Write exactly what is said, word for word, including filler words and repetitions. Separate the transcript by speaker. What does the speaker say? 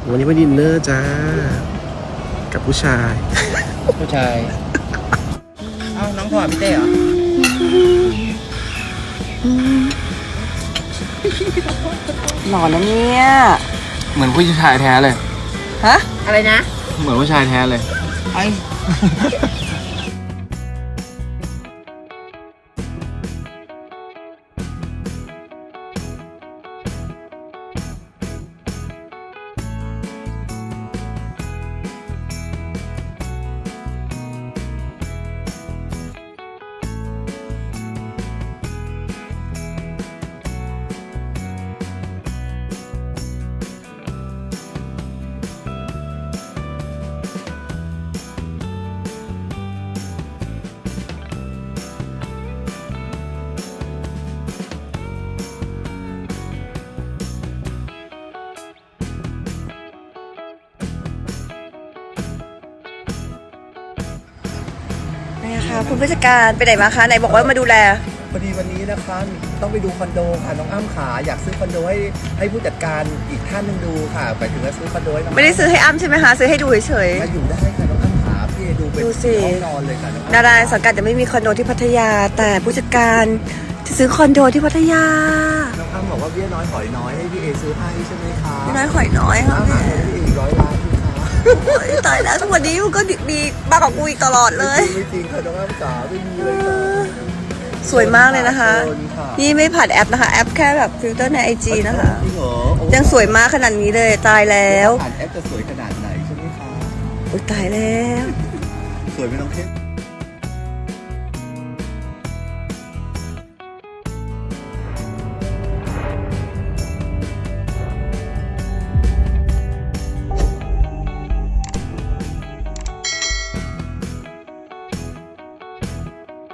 Speaker 1: วันนี้ไปดินเนอร์จ้ากับผู้ชาย
Speaker 2: ผู้ชายเอ้าน้องถอดพี่เต้เหรอ
Speaker 3: หล่อนะเนี่ย
Speaker 4: เหมือนผู้ชายแท้เลย
Speaker 3: ฮะ
Speaker 2: อะไรนะ
Speaker 4: เหมือนผู้ชายแท้เลย
Speaker 2: ไอ้
Speaker 3: นี่ค่ะคุณผู้จัดการไปไหนมาคะไหนบอกว่ามาดูแล
Speaker 1: พอดีวันนี้นะคะต้องไปดูคอนโดค่ะน้องอ้ำขาอยากซื้อคอนโดให้ให้ผู้จัดการอีกท่านหนึงดูค่ะไปถึงจะซื้อคอนโดให้น้อง
Speaker 3: ไม่ได้ซื้อให้อ้ำใช่ไหมคะซื้อให้ดูเฉย
Speaker 1: มาอยู่ได้ค่ะน้องอ้ำขาพี่ดูเป็น
Speaker 3: ดูสิ
Speaker 1: ห้องนอนเลยค่ะน้อง
Speaker 3: ๆ
Speaker 1: อ้ำ
Speaker 3: ดาราสังกัดจะไม่มีคอนโดที่พัทยา แต่ผู้จัดการจะซื้อคอนโดที่พัทยา
Speaker 1: น้องอ้ำบอกว่าเบี้ยน้อยหอยน้อยให้พี่เอซื้อให้ใช่ไหมคะ
Speaker 3: พี่น้อยข่อยน้อยค่ะ
Speaker 1: อ้ำ
Speaker 3: พี่
Speaker 1: หาเงินให้พี่เออีกร้อยล้านพี่คะ
Speaker 3: โอ๊ยตายแล้วทุกวันนี้มันก็มีมากกว่ากูอีกตลอดเลย
Speaker 1: ไม่จริงค่ะน้องอ้ำขาไม่มีเลยค่ะ
Speaker 3: สวยมากเลยนะคะ
Speaker 1: โดนค่ะ
Speaker 3: นี่ไม่ผ่านแอปนะคะ แอปแค่แบบฟิลเตอร์ในไอจีนะคะ
Speaker 1: จริงเหรอโอ้
Speaker 3: ยังสวยมากขนาดนี้เลยตายแล้ว
Speaker 1: ผ่านแอปจะสวยขนาดไหนใช่ไหมคะ
Speaker 3: โอ๊ยตายแล้ว
Speaker 1: สวยไม่ต้องเทพ